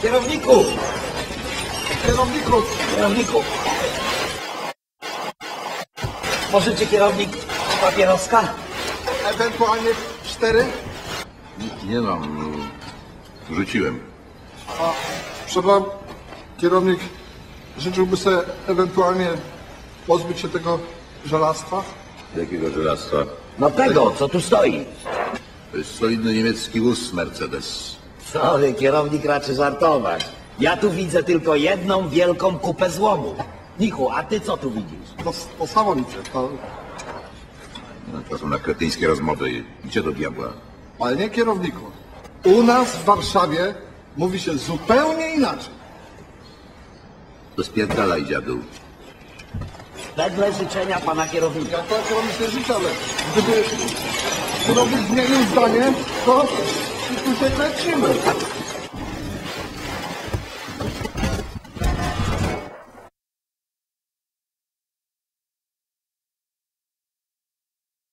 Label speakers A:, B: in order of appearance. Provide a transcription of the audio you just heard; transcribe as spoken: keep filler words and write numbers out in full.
A: Kierowniku!
B: Kierowniku!
A: Kierowniku! Możecie kierownik papieroska?
B: Ewentualnie cztery?
C: Nie mam. Rzuciłem.
B: A, przepraszam, kierownik życzyłby sobie ewentualnie pozbyć się tego żelastwa?
C: Jakiego żelastwa?
A: No tego, co tu stoi.
C: To jest solidny niemiecki wóz Mercedes.
A: Sorry, kierownik raczy żartować. Ja tu widzę tylko jedną wielką kupę złomu. Nichu, a ty co tu widzisz?
B: To, to samo widzę, to...
C: No, to są na kretyńskie rozmowy. Gdzie do diabła?
B: Ale nie kierowniku. U nas w Warszawie mówi się zupełnie inaczej.
C: To spierdalaj, dziadu.
A: Wedle życzenia pana kierownika.
B: Ja to kierownik nie życzę, ale gdyby kierownik zmienił zdanie, to tu się lecimy.